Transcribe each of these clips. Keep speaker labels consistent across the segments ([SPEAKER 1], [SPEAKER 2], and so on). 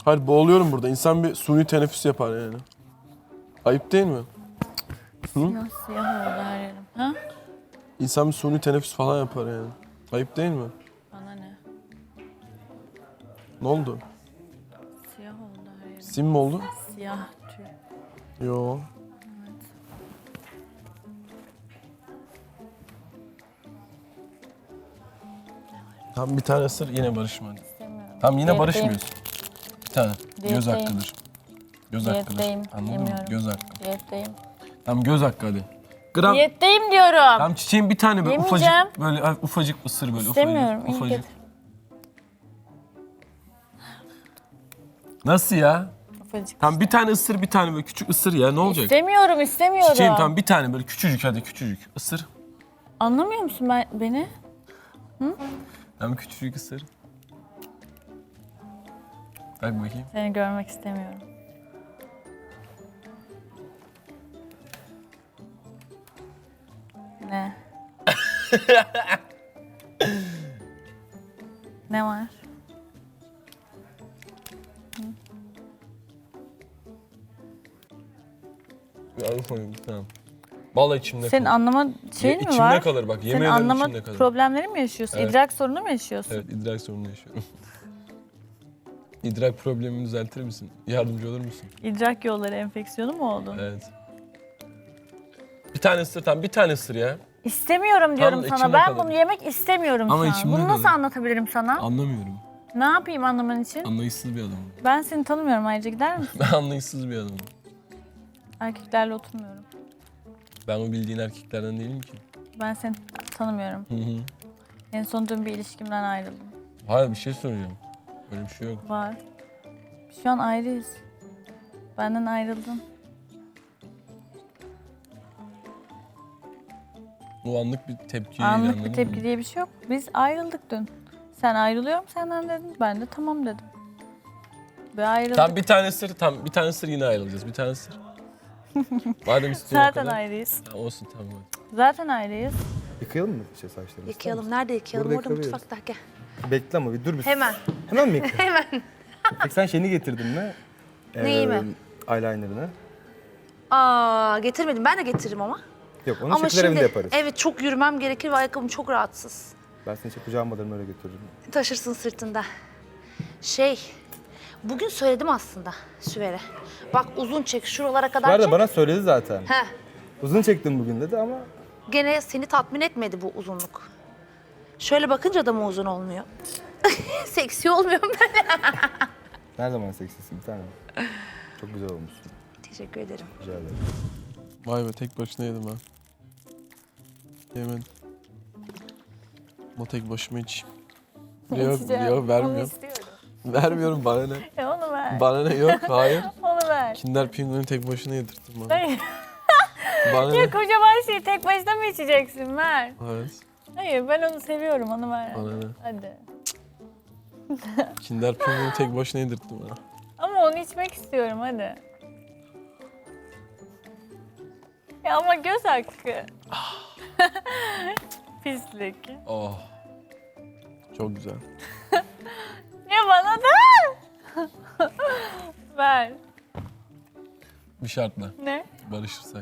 [SPEAKER 1] Hayır boğuluyorum burada. İnsan bir suni teneffüs yapar yani. Ayıp değil mi?
[SPEAKER 2] Siyah siyah oldu her yerim. Ha?
[SPEAKER 1] İnsan bir suni teneffüs falan yapar yani. Ayıp değil mi?
[SPEAKER 2] Bana ne?
[SPEAKER 1] Ne oldu?
[SPEAKER 2] Siyah oldu her yerim.
[SPEAKER 1] Sim mi oldu?
[SPEAKER 2] Siyah tüy.
[SPEAKER 1] Yo.
[SPEAKER 2] Evet.
[SPEAKER 1] Tam bir tane ısır yine barışma.
[SPEAKER 2] İstemiyorum.
[SPEAKER 1] Tam yine
[SPEAKER 2] Diyetteyim.
[SPEAKER 1] barışmıyoruz. Bir tane. Göz
[SPEAKER 2] Diyetteyim.
[SPEAKER 1] hakkıdır. Göz hakkıdır.
[SPEAKER 2] Diyetteyim.
[SPEAKER 1] Anladın mı?
[SPEAKER 2] Yemiyorum.
[SPEAKER 1] Göz hakkı.
[SPEAKER 2] Diyetteyim.
[SPEAKER 1] Tamam göz hakkı hadi. Gram.
[SPEAKER 2] Diyetteyim diyorum.
[SPEAKER 1] Tam çiçeğin bir tane böyle
[SPEAKER 2] Yemeyeceğim.
[SPEAKER 1] ufacık böyle ufacık ısır böyle
[SPEAKER 2] İstemiyorum.
[SPEAKER 1] ufacık.
[SPEAKER 2] İyi
[SPEAKER 1] Ufacık.
[SPEAKER 2] getir.
[SPEAKER 1] Nasıl ya?
[SPEAKER 2] Ufacık.
[SPEAKER 1] Tam bir tane ısır bir tane böyle küçük ısır ya ne olacak?
[SPEAKER 2] İstemiyorum, istemiyorum.
[SPEAKER 1] Çiçeğim tam bir tane böyle küçücük hadi küçücük ısır.
[SPEAKER 2] Anlamıyor musun beni?
[SPEAKER 1] Tam küçücük ısır. Bak bakayım.
[SPEAKER 2] Seni görmek istemiyorum. Ne? Ne var?
[SPEAKER 1] Tamam. Vallahi içimde
[SPEAKER 2] Senin
[SPEAKER 1] kalır.
[SPEAKER 2] anlama şeyin mi
[SPEAKER 1] İçimde
[SPEAKER 2] var?
[SPEAKER 1] kalır bak yemin
[SPEAKER 2] Senin
[SPEAKER 1] ederim
[SPEAKER 2] anlama
[SPEAKER 1] içimde kalır.
[SPEAKER 2] problemleri mi yaşıyorsun?
[SPEAKER 1] Evet.
[SPEAKER 2] İdrak sorunu mu yaşıyorsun?
[SPEAKER 1] Evet idrak sorunu yaşıyorum. İdrak problemimi düzeltir misin? Yardımcı olur musun?
[SPEAKER 2] İdrak yolları enfeksiyonu mu oldu?
[SPEAKER 1] Evet. Bir tane ısır tamam bir tane ısır ya.
[SPEAKER 2] İstemiyorum diyorum
[SPEAKER 1] Tam
[SPEAKER 2] sana.
[SPEAKER 1] içimde
[SPEAKER 2] Ben
[SPEAKER 1] kalır.
[SPEAKER 2] bunu yemek istemiyorum
[SPEAKER 1] Ama
[SPEAKER 2] şu an.
[SPEAKER 1] içimde
[SPEAKER 2] Bunu nasıl
[SPEAKER 1] kalır.
[SPEAKER 2] anlatabilirim sana?
[SPEAKER 1] Anlamıyorum.
[SPEAKER 2] Ne yapayım anlaman için?
[SPEAKER 1] Anlayışsız bir adamım.
[SPEAKER 2] Ben seni tanımıyorum, ayrıca gider misin?
[SPEAKER 1] Ben anlayışsız bir adamım.
[SPEAKER 2] Erkeklerle oturmuyorum.
[SPEAKER 1] Ben o bildiğin erkeklerden değilim ki.
[SPEAKER 2] Ben seni tanımıyorum.
[SPEAKER 1] Hı hı.
[SPEAKER 2] En son dün bir ilişkimden ayrıldım.
[SPEAKER 1] Hayır bir şey soracağım. Öyle bir şey yok.
[SPEAKER 2] Var. Şu an ayrıyız. Benden ayrıldın.
[SPEAKER 1] O anlık bir tepki.
[SPEAKER 2] Anlık bir tepki diye bir şey yok. Biz ayrıldık dün. Sen ayrılıyorum senden dedin. Ben de tamam dedim. Ve ayrıldık.
[SPEAKER 1] Tam bir tane ısır, tam bir tane ısır yine ayrılacağız. Bir tane ısır. Madem istiyorsun o
[SPEAKER 2] Zaten
[SPEAKER 1] kadar.
[SPEAKER 2] ayrıyız.
[SPEAKER 1] Tamam, olsun tamam. hadi.
[SPEAKER 2] Zaten ayrıyız.
[SPEAKER 3] Yıkayalım mı saçlarımızı?
[SPEAKER 4] Yıkayalım. Nerede yıkayalım?
[SPEAKER 3] Burada
[SPEAKER 4] Orada
[SPEAKER 3] yıkayabiliriz.
[SPEAKER 4] mutfakta. Gel.
[SPEAKER 3] Bekle ama bir dur bir.
[SPEAKER 4] Hemen.
[SPEAKER 3] Hemen mi yıkayalım?
[SPEAKER 4] Hemen.
[SPEAKER 3] Peki sen şeyini getirdin mi?
[SPEAKER 4] Neyi mi?
[SPEAKER 3] Eyeliner'ını.
[SPEAKER 4] Aa, getirmedim. Ben de getiririm ama.
[SPEAKER 3] Yok onu çekiler evinde yaparız.
[SPEAKER 4] evet çok yürümem gerekir ve ayakkabım çok rahatsız.
[SPEAKER 3] Ben seni kucağıma alırım öyle götürürüm.
[SPEAKER 4] Taşırsın sırtında. Bugün söyledim aslında Süver'e. Bak uzun çek, şuralara
[SPEAKER 3] Bu
[SPEAKER 4] kadar
[SPEAKER 3] arada
[SPEAKER 4] çek.
[SPEAKER 3] bana söyledi zaten.
[SPEAKER 4] Heh,
[SPEAKER 3] Uzun çektim bugün dedi ama
[SPEAKER 4] gene seni tatmin etmedi bu uzunluk. Şöyle bakınca da mı uzun olmuyor? Seksi olmuyorum ben.
[SPEAKER 3] her zaman seksisin bir tanem. Çok güzel olmuşsun.
[SPEAKER 4] Teşekkür ederim.
[SPEAKER 3] Rica ederim.
[SPEAKER 1] Vay be tek başına yedim ha. Yemedim. Ama tek başıma içeyim. Yok
[SPEAKER 2] İçeceğim.
[SPEAKER 1] yok
[SPEAKER 2] Onu
[SPEAKER 1] vermiyorum.
[SPEAKER 2] istiyorum.
[SPEAKER 1] Vermiyorum bana ne.
[SPEAKER 2] Onu ver.
[SPEAKER 1] Bana ne yok hayır.
[SPEAKER 2] Onu ver.
[SPEAKER 1] Kinder Pinguin'i tek başına yedirttim bana.
[SPEAKER 2] Hayır.
[SPEAKER 1] Bana
[SPEAKER 2] Ya
[SPEAKER 1] ne?
[SPEAKER 2] kocaman şeyi tek başına mı içeceksin? Ver.
[SPEAKER 1] Evet.
[SPEAKER 2] Hayır ben onu seviyorum, onu ver.
[SPEAKER 1] Bana ne?
[SPEAKER 2] Hadi.
[SPEAKER 1] Kinder Pinguin'i tek başına yedirttim bana.
[SPEAKER 2] Ama onu içmek istiyorum, hadi. Ya ama göz hakkı. Pislik.
[SPEAKER 1] Oh. Çok güzel.
[SPEAKER 2] Ya bana da. Ver.
[SPEAKER 1] Bir şartla.
[SPEAKER 2] Ne?
[SPEAKER 1] Barışırsak.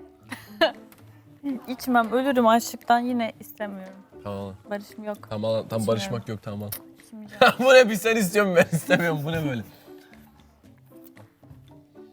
[SPEAKER 2] İçmem, ölürüm açlıktan, yine istemiyorum.
[SPEAKER 1] Tamam.
[SPEAKER 2] Barışım yok.
[SPEAKER 1] Tamam, tam barışmak yok tamam.
[SPEAKER 2] İçmeyeceğim.
[SPEAKER 1] Bu ne bir sen istiyorsun ben istemiyorum. Bu ne böyle?